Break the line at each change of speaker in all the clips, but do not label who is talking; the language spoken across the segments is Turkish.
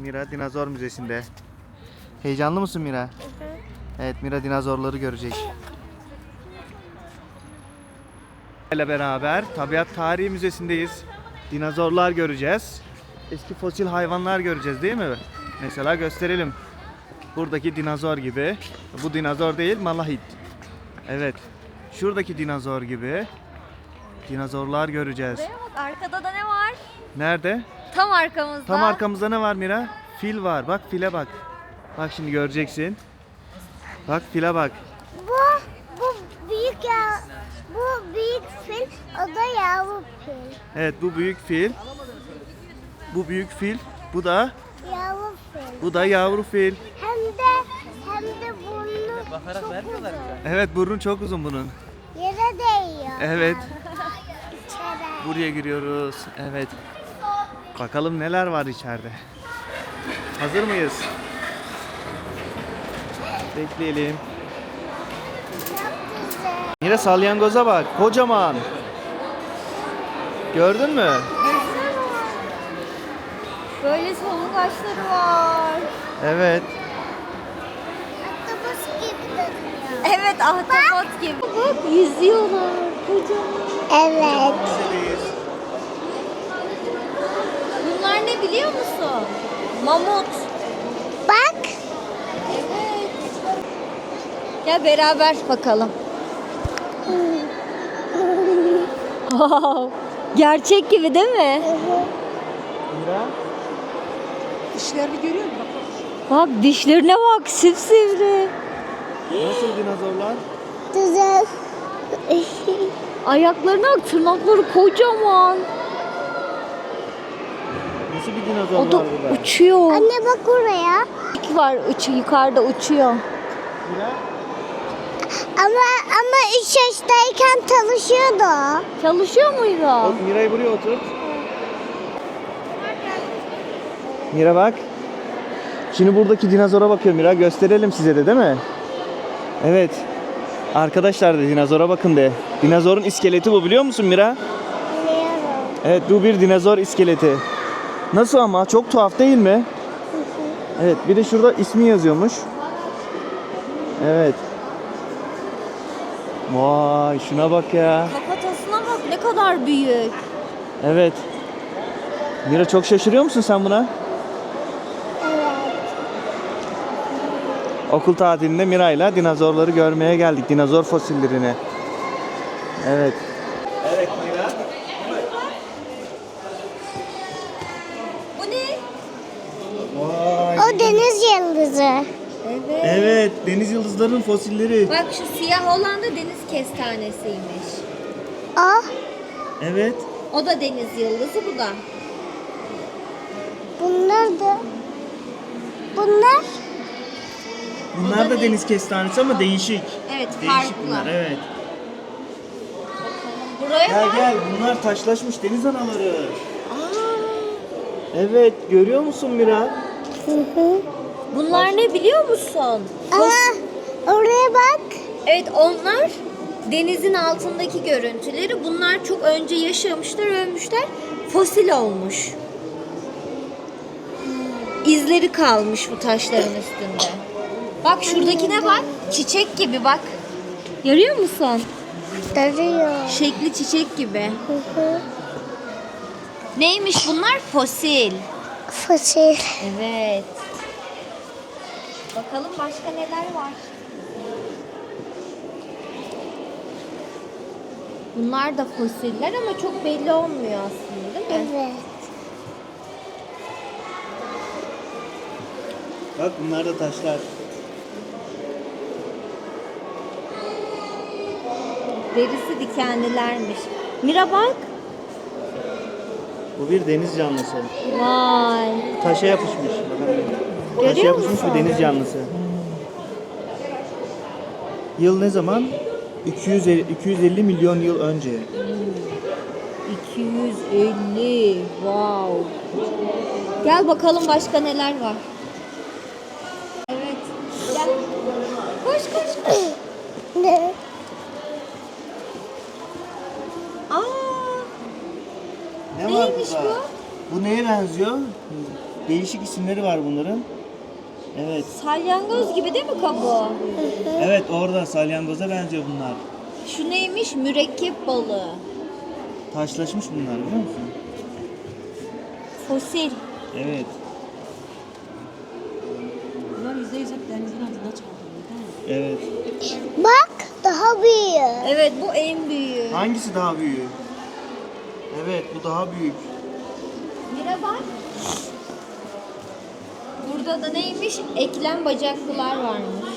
Mira Dinozor Müzesi'nde. Heyecanlı mısın Mira?
Hı hı.
Evet, Mira dinozorları görecek. ile beraber Tabiat Tarihi Müzesi'ndeyiz. Dinozorlar göreceğiz. Eski fosil hayvanlar göreceğiz değil mi? Mesela gösterelim. Buradaki dinozor gibi. Bu dinozor değil, malahit. Evet. Şuradaki dinozor gibi. Dinozorlar göreceğiz.
Buraya bak, arkada da ne var?
Nerede?
Tam arkamızda.
Tam arkamızda ne var Mira? Fil var. Bak file bak. Bak şimdi göreceksin. Bak file bak.
Bu büyük ya. Bu büyük fil, o da yavru fil.
Evet, bu büyük fil. Bu büyük fil. Bu da
Yavru fil.
yavru fil.
Hem de burnu çok uzun.
Evet, burnu çok uzun bunun.
Yere değiyor.
Evet.
İçeri.
Buraya giriyoruz. Evet. Bakalım neler var içeride. Hazır mıyız? Bekleyelim.
Çok güzel.
Mira salyangoza bak. Kocaman. Gördün mü?
Böyle solungaçları var.
Evet.
Ahtapot gibi duruyor.
Evet, ahtapot gibi. Bak, yüzüyorlar. Kocaman.
Evet.
Bunlar ne biliyor musun? Mamut.
Bak.
Evet. Gel beraber bakalım. Gerçek gibi değil mi?
Mira.
Dişlerini görüyor musun?
Bak, dişlerine bak, sivsivri.
Nasıl dinozorlar?
Güzel.
Ayaklarına bak, tırnakları kocaman.
Nasıl bir dinozor
O da
var burada?
uçuyor.
Anne bak oraya.
Var, yukarıda uçuyor.
Mira.
Ama 3 yaştayken çalışıyordu.
Çalışıyor muydu?
Mira'yı buraya otur. Mira bak. Şimdi buradaki dinozora bakıyor Mira. Gösterelim size de değil mi? Evet. Arkadaşlar da dinozora bakın de. Dinozorun iskeleti bu, biliyor musun Mira?
Biliyorum.
Evet, bu bir dinozor iskeleti. Nasıl ama? Çok tuhaf değil mi? Evet, bir de şurada ismi yazıyormuş. Evet. Vay, şuna bak ya.
Kafatasına bak, ne kadar büyük.
Evet. Mira, çok şaşırıyor musun sen buna?
Evet.
Okul tatilinde Mira'yla dinozorları görmeye geldik. Dinozor fosillerini. Evet. Evet Mira.
Bu ne?
Vay.
O deniz yıldızı.
Evet.
Evet, deniz yıldızlarının fosilleri.
Bak, şu siyah olan da deniz kestanesiymiş.
O.
Evet.
O da deniz yıldızı, bu da.
Bunlar da. Bunlar.
Bunlar da deniz kestanesi ama değişik.
Evet,
Değişik
farklı.
bunlar, evet.
Buraya
Gel
bak.
gel, bunlar taşlaşmış deniz anaları.
Aa,
Evet, görüyor musun Mira?
Hı hı.
bunlar ne biliyor musun?
Oraya bak.
Evet, onlar denizin altındaki görüntüleri. Bunlar çok önce yaşamışlar, ölmüşler. Fosil olmuş. İzleri kalmış bu taşların üstünde. Bak, şuradakine bak. Çiçek gibi bak. Görüyor musun?
Duruyor.
Şekli çiçek gibi.
Hı hı.
Neymiş bunlar? Fosil.
Fosil.
Evet. Bakalım başka neler var. Bunlar da fosiller ama çok belli olmuyor aslında, değil mi?
Evet.
Bak, bunlar da taşlar.
Derisi dikenlilermiş. Mira bak.
Bu bir deniz canlısı.
Vay.
Taşa yapışmış. Bakalım. Taşa
Görüyor
yapışmış
musun?
bir deniz canlısı. Yıl ne zaman? 250 milyon yıl önce.
250. Wow. Gel bakalım başka neler var. Evet. Gel. Koş koş koş.
Ne?
Aa,
Ne
neymiş
burada? Bu neye benziyor? Değişik isimleri var bunların. Evet.
Salyangoz gibi değil mi kabuğu?
Evet, orada salyangoza benziyor bunlar.
Şu neymiş? Mürekkep balığı.
Taşlaşmış bunlar, biliyor musun?
Fosil.
Evet.
Bunlar %100 hep denizin altında çaldırıyor değil mi?
Evet.
Bak daha büyük.
Evet, bu en büyüğü.
Hangisi daha büyük? Evet, bu daha büyük.
Mira bak. Burada da neymiş? Eklem bacaklılar varmış.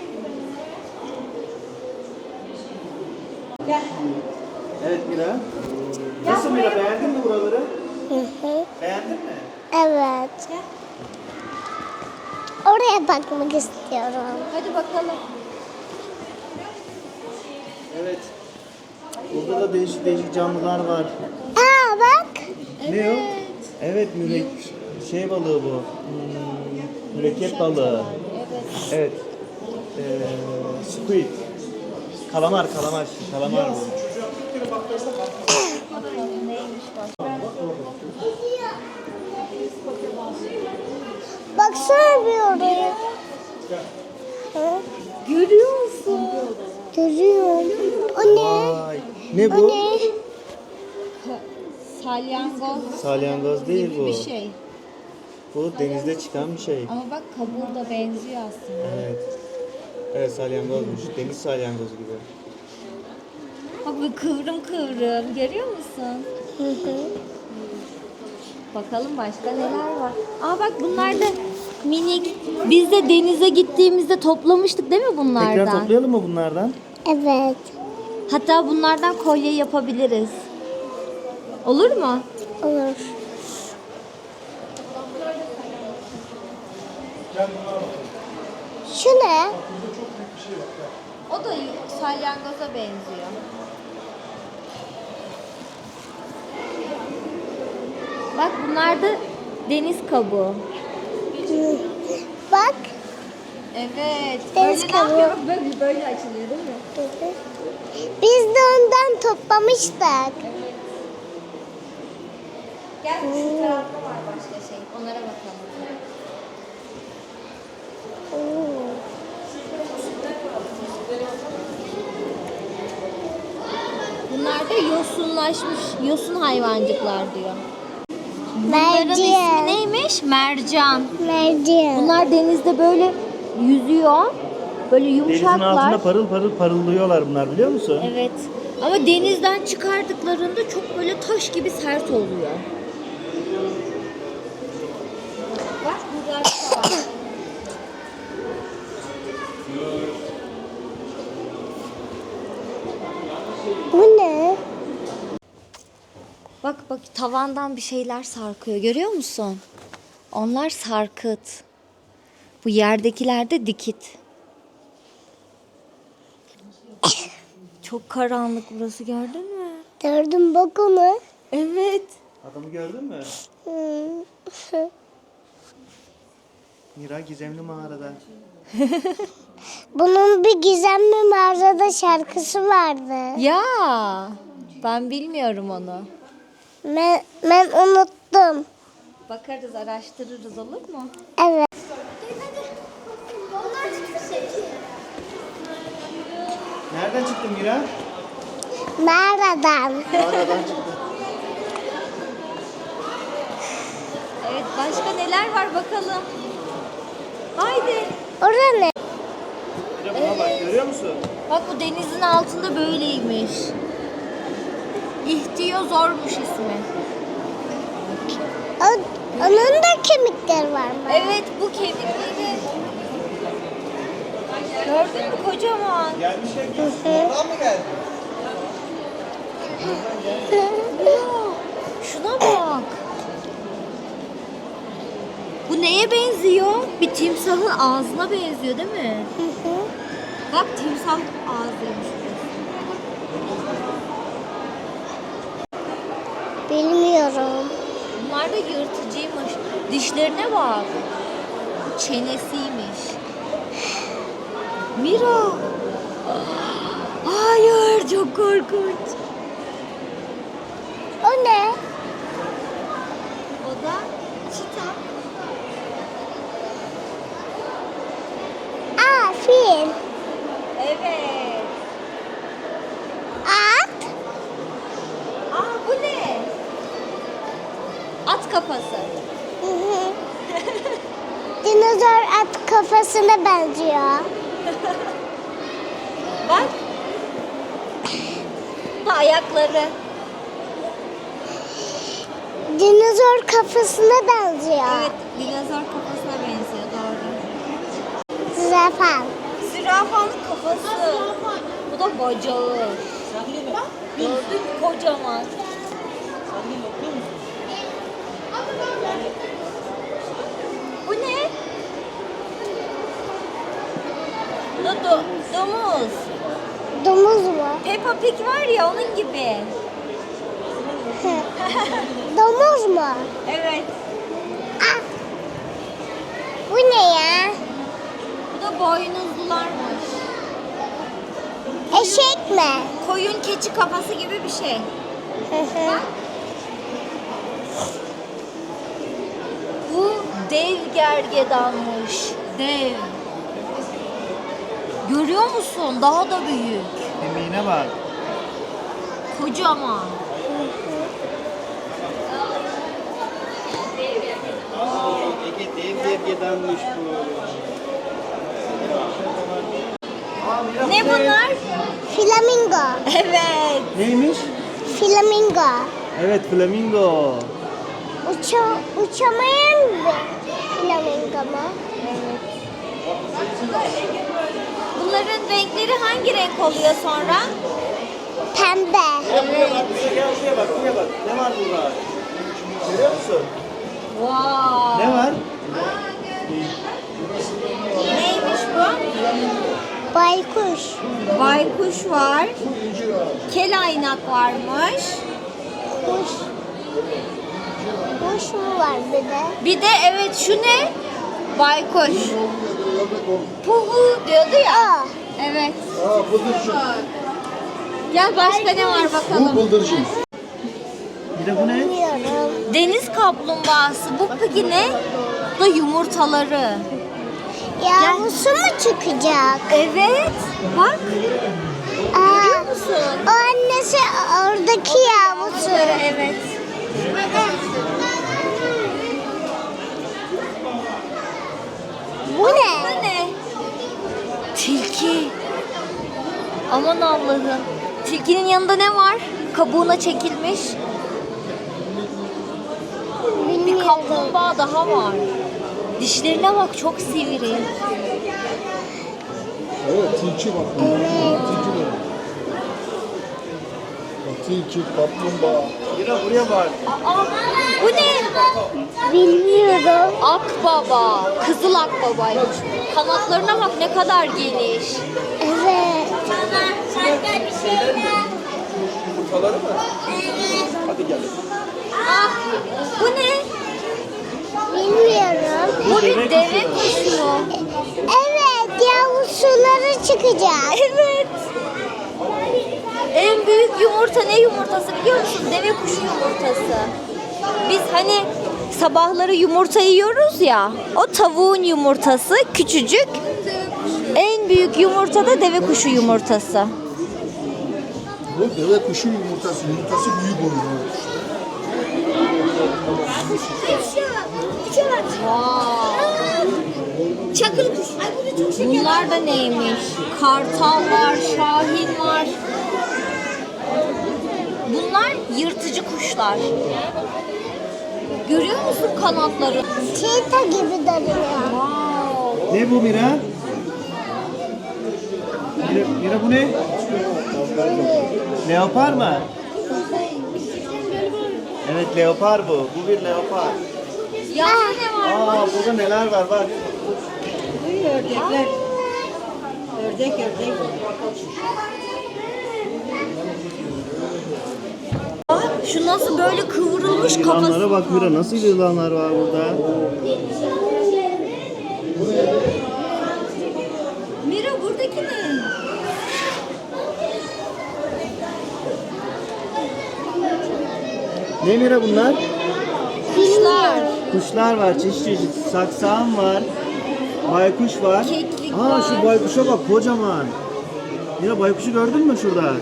Gel.
Evet Mira. Nasıl Mira, beğendin mi buraları?
Hı hı.
Beğendin mi?
Evet.
Gel.
Oraya bakmak istiyorum.
Hadi bakalım.
Evet. Burada da değişik değişik canlılar var.
Aa bak.
Ne o? Evet, şey balığı bu. Mürekkep balığı.
Evet.
Evet. Squid. Kalamar bu.
Neymiş bak.
Baksana bir oraya. Hı?
Görüyor musun?
Görüyorum. O ne?
Vay. Ne
O
bu?
ne?
Salyangoz
Salyangoz değil
gibi
bu.
bir şey.
Bu denizde çıkan bir şey.
Ama bak kabuğu da benziyor aslında.
Evet. Evet, salyangozmuş. Deniz salyangozu gibi.
Bak bu kıvrım kıvrım. Görüyor musun?
Hı hı.
Bakalım başka neler var. Aa bak bunlar da minik. Biz de denize gittiğimizde toplamıştık değil mi bunlardan?
Tekrar toplayalım mı bunlardan?
Evet.
Hatta bunlardan kolye yapabiliriz. Olur mu?
Olur. Şu ne?
O da salyangoza benziyor. Bak bunlar da deniz kabuğu.
Hı. Bak.
Evet.
Deniz
böyle
kabuğu.
ne yapıyor? Böyle açılıyor değil mi?
Hı hı. Biz de ondan toplamıştık.
Gel şu tarafta var başka şey. Onlara bakalım.
Oo.
Bunlar da yosunlaşmış, yosun hayvancıklar diyor. Bunların ismi
Mercan.
neymiş? Mercan.
Mercan.
Bunlar denizde böyle yüzüyor. Böyle
Denizin
yumuşaklar.
altında parıl parıl parıldıyorlar bunlar, biliyor musun?
Evet. Ama denizden çıkardıklarında çok böyle taş gibi sert oluyor. Bak burada da var.
Bu ne?
Bak bak tavandan bir şeyler sarkıyor. Görüyor musun? Onlar sarkıt. Bu yerdekiler de dikit. Çok karanlık burası, gördün mü?
Gördüm bak onu.
Evet.
Adamı gördün mü?
Hı.
Mira gizemli mağarada.
Bunun bir gizemli mağarada şarkısı vardı.
Ya ben bilmiyorum onu.
Ben unuttum.
Bakarız, araştırırız, olur mu?
Evet.
Nereden çıktı Mira?
Mağaradan.
Mağaradan çıktı.
Evet, başka neler var bakalım. Haydi.
Orada ne?
Mira buna bak, görüyor musun?
Bak bu denizin altında böyleymiş. İhtiyozormuş ismi.
Onun da kemikleri var mı?
Evet, bu kemikleri. Gördün mü, kocaman.
Gelmişler ki.
Hı.
Oradan mı geldi?
Ya, şuna bak. Bu neye benziyor? Bir timsahın ağzına benziyor değil mi?
Hı hı.
Bak timsah ağzıymış burası.
Bilmiyorum.
Bunlar da yırtıcıymış. Dişlerine bak. Bu çenesiymiş. Mira. Hayır, çok korkunç.
O ne?
O da çita.
dinozor at kafasına benziyor.
Bak. Bu da ayakları.
Dinozor kafasına benziyor.
Evet, dinozor kafasına benziyor, doğru.
Zürafa.
Zürafanın kafası. Bu da bacağı. Gördün mü? Kocaman. Bu ne? Bu da domuz.
Domuz mu?
Peppa Pig var ya, onun gibi.
Domuz mu?
Evet.
Ah. Bu ne ya?
Bu da boynuzlularmış.
Eşek mi?
Koyun keçi kafası gibi bir şey. Bak. Bu dev gergedanmış. Dev. Görüyor musun? Daha da büyük.
Kemiğine bak.
Kocaman.
Ege dev gergedanmış bu.
Ne bunlar?
Flamingo.
Evet.
Neymiş?
Flamingo.
Evet, flamingo.
Uçamayan bir flamingo mu?
Bunların renkleri hangi renk oluyor sonra?
Pembe.
Evet.
Gel buraya bak, buraya bak. Ne var burada? Görüyor musun?
Wow.
Ne var?
Neymiş bu?
Baykuş.
Baykuş var. Kelaynak varmış.
Kuş. Kuş mu var bir de?
Bir de evet, şu ne? Baykuş. Puhu diyordu ya.
Aa.
Evet.
Bıldırcın.
Gel, başka ne var
Bu
bakalım.
bıldırcın.
Bir de bu ne?
Bilmiyorum.
Deniz kaplumbağası. Bu peki ne? Bu da yumurtaları.
Yavrusu mu çıkacak?
Evet. Bak.
Aa,
Musun?
o annesi oradaki yavrusu.
Evet.
Bu
Bu
ne?
ne? Tilki. Aman Allah'ım. Tilkinin yanında ne var? Kabuğuna çekilmiş. Bir
Bilmiyorum.
kaplumbağa daha var. Dişlerine bak, çok sivri.
Evet, tilki bak.
Evet.
Tilki de. Bak, tilki, kaplumbağa.
Mira buraya bak.
Aa, bu ne?
Bilmiyorum.
Akbaba. Kızıl akbabaymış. Kanatlarına bak, ne kadar geniş.
Evet.
Ah, bu ne?
Bilmiyorum.
Bu bir deve kuşu.
Evet, yavrusuları çıkacak.
Evet. En büyük yumurta ne yumurtası biliyor musun? Deve kuşu yumurtası. Biz hani sabahları yumurta yiyoruz ya. O tavuğun yumurtası küçücük. En büyük yumurta da deve kuşu yumurtası.
Bu deve kuşu yumurtası. Yumurtası büyük oluyor.
Çakıl kuş. Bunlar da neymiş? Kartal var, şahin var. Bunlar yırtıcı kuşlar. Görüyor musun kanatları?
Çita gibi duruyor.
Wow.
Ne bu Mira? Mira bu ne? Leopar mı? Evet, leopar bu. Bu bir leopar.
Yavru ne var?
Aa, burada neler var bak.
Ördekler. Ördek.
Bak, şu nasıl böyle kıvrılmış
Yılanlara
kafası.
bak Mira, nasıl yılanlar var burada.
Mira, buradaki ne?
Ne Mira bunlar?
Kuşlar.
Kuşlar var, çeşit çeşit. Saksağan var. Baykuş var.
Keklik
Aa,
var.
şu baykuşa bak, kocaman. Mira, baykuşu gördün mü şurada?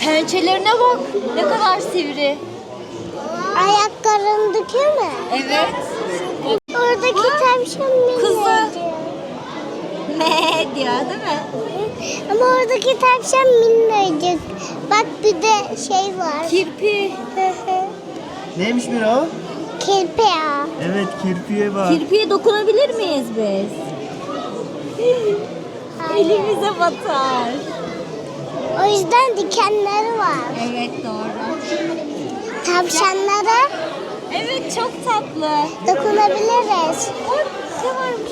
Pençelerine bak. Ne kadar sivri.
Ayaklarındaki mi?
Evet.
Oradaki tavşan minnacık.
Kızı. Ne diyor değil mi?
Ama oradaki tavşan minnacık. Bak bir de şey var.
Kirpi.
Neymiş Mira o?
Kirpi ya.
Evet, kirpiye bak.
Kirpiye dokunabilir miyiz biz? Elimize batar.
O yüzden dikenleri var.
Evet doğru.
Tavşanlara
Evet çok tatlı.
dokunabiliriz.
Bak ne varmış?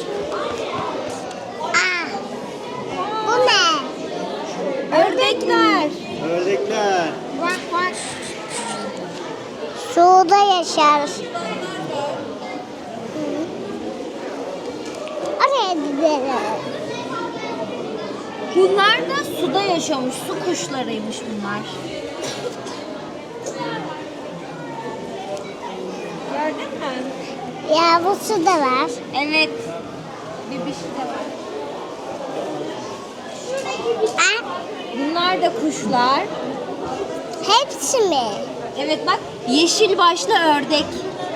Aa, bu ne?
Ördekler.
Ördekler.
Bak bak. Suda yaşar. Oraya gidelim.
Bunlar da suda yaşamış. Su kuşlarıymış bunlar. Gördün mü?
Yavrusu da var.
Evet. Bebişi de var.
Aa,
Bunlar da kuşlar.
hepsi mi?
Evet bak yeşil başlı ördek.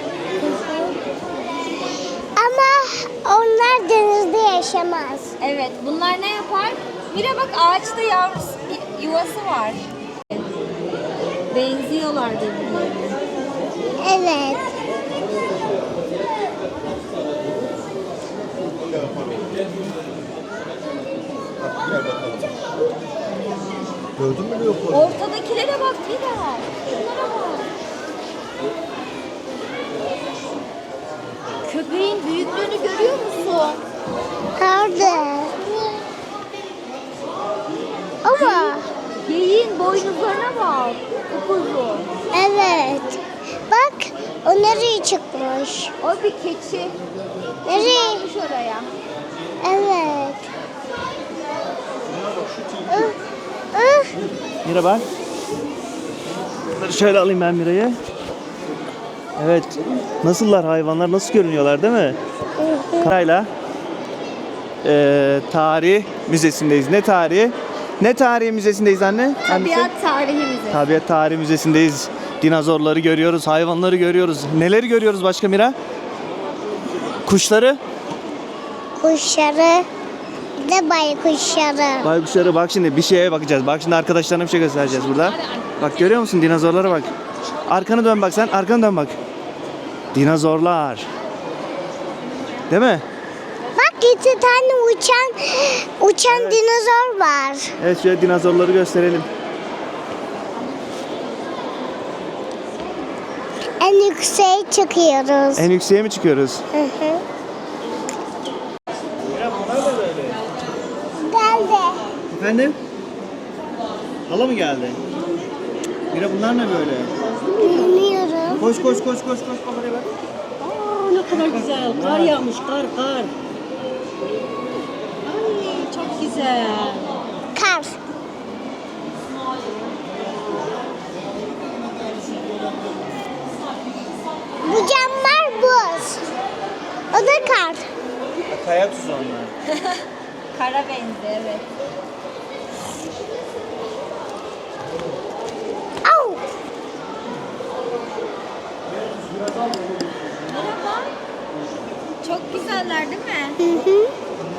Ama onlar denizde yaşamaz.
Evet bunlar ne yapar? Mira bak ağaçta yavrusu yuvası var. Benziyorlar birbirlerine.
Evet.
Gördün mü leoparı?
Ortadakilere bak Mira. Şunlara bak. Köpeğin büyüklüğünü görüyor musun?
Nerede? Ama
Geyiğin boynuzlarına bak. Upuzun.
evet. Bak o nereye çıkmış?
O bir keçi.
Nereye?
Çıkmış oraya.
Evet. Ih, ih.
Mira bak. Bunları şöyle alayım ben Mira'yı. Evet. Nasıllar hayvanlar? Nasıl görünüyorlar değil mi? Karayla tarih müzesindeyiz. Ne tarihi? Ne tarihi müzesindeyiz anne? Hangisi?
Tabiat tarihi müzesi.
Tabiat tarihi müzesindeyiz. Dinozorları görüyoruz, hayvanları görüyoruz. Neleri görüyoruz başka Mira? Kuşları.
Kuşları. Bir de baykuşları.
Baykuşları bak şimdi bir şeye bakacağız. Bak şimdi arkadaşlarına bir şey göstereceğiz burada. Bak görüyor musun dinozorlara bak. Arkanı dön bak sen. Arkanı dön bak. Dinozorlar. Değil mi?
Bak 2 tane uçan dinozor var.
Evet şöyle dinozorları gösterelim.
En yükseğe çıkıyoruz.
En yükseğe mi çıkıyoruz?
Hı hı.
Mira bunlar da böyle.
Geldi.
Efendim? Hala mı geldi? Mira bunlar ne böyle?
Bilmiyorum.
Koş koş koş koş koş kameraya bak.
Aa, ne kadar güzel. Kar yağmış, kar. Ay, çok güzel.
Kar. Bu camlar buz. O da kar.
Kaya tuzu onlar.
Kara benzi evet.
Au.
Merhaba. Çok güzeller değil mi?
Hı hı.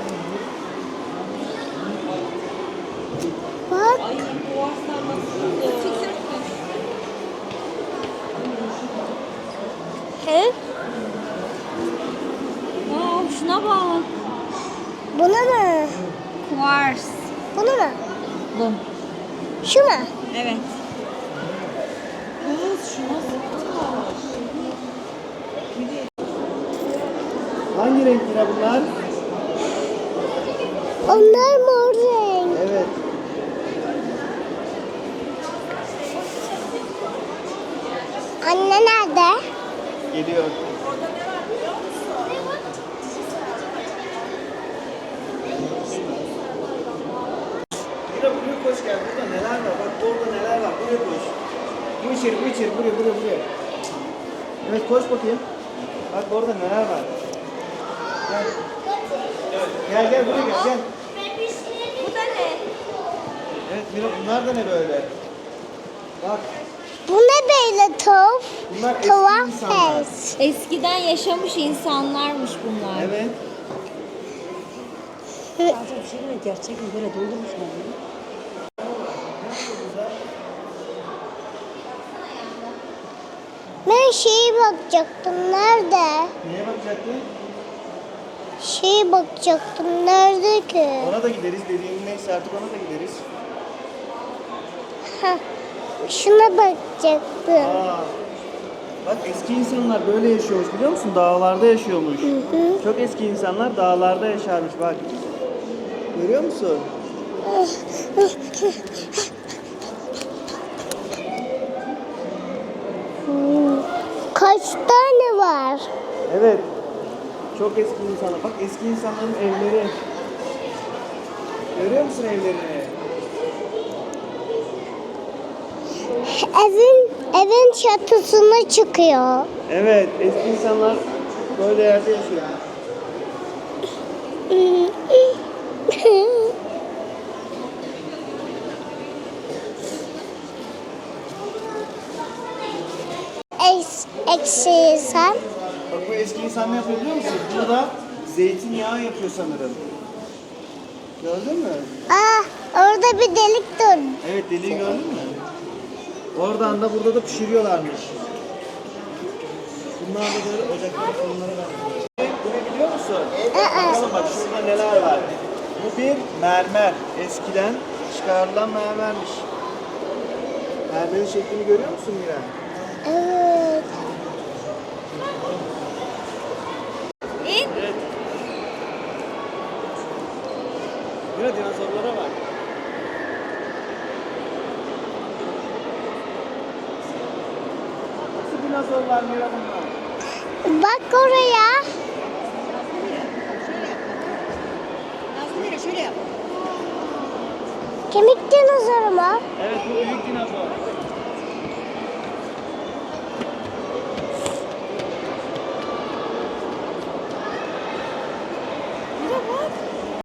Bak. He?
Wow, şuna bak.
Buna mı?
Kuvars.
Bunu mu?
Bu.
Şu mu?
Evet.
Hangi renk Mira bunlar?
Onlar mor renk.
Evet.
Anne nerede?
Geliyor. Mira buraya koş gel. Burada neler var? Bak orada neler var. Buraya koş. Bu içeri, bu içeri. Buraya. Evet koş bakayım. Bak orada neler var. Gel. Gel buraya gel.
Bu da ne?
Evet Mira bunlar da ne böyle? Bak
Bu ne böyle tavuk?
bunlar eski
Tuhaf
insanlar.
ses.
Eskiden yaşamış insanlarmış bunlar.
Evet.
Acaba bir şey mi? Gerçek mi? Böyle doldurmuşlar bunu.
Ben şeye bakacaktım. Nerede?
Neye bakacaktın?
Şeye bakacaktım. Nerede ki?
Ona da gideriz. Dediğin neyse artık ona da gideriz.
Ha, şuna bakacaktım.
Aa, bak eski insanlar böyle yaşıyormuş biliyor musun? Dağlarda yaşıyormuş. Çok eski insanlar dağlarda yaşarmış bak. Görüyor musun?
Kaç tane var?
Evet. Çok eski insanlar. Bak eski insanların evleri. Görüyor musun evlerini?
Evin çatısına çıkıyor.
Evet, eski insanlar böyle yerde yaşıyor.
Eksi insan.
Bak bu eski insan ne yapıyor biliyor musun? Burada zeytinyağı yapıyor sanırım. Gördün mü?
Orada bir delik dur.
Evet deliği gördün mü? Oradan da burada da pişiriyorlarmış. Bunlar da böyle ocaklara fırınlara benziyor. Bu ne biliyor musun? Bakalım bak şurada neler var. Bu bir mermer. Eskiden çıkarılan mermermiş. Mermerin şeklini görüyor musun Miran?
Evet.
Evet. Mira dinozorlara bak. Nasıl dinozorlar Mira bunlar?
Bak oraya.
Şöyle yap.
Kemik dinozoru mu?
Evet bu büyük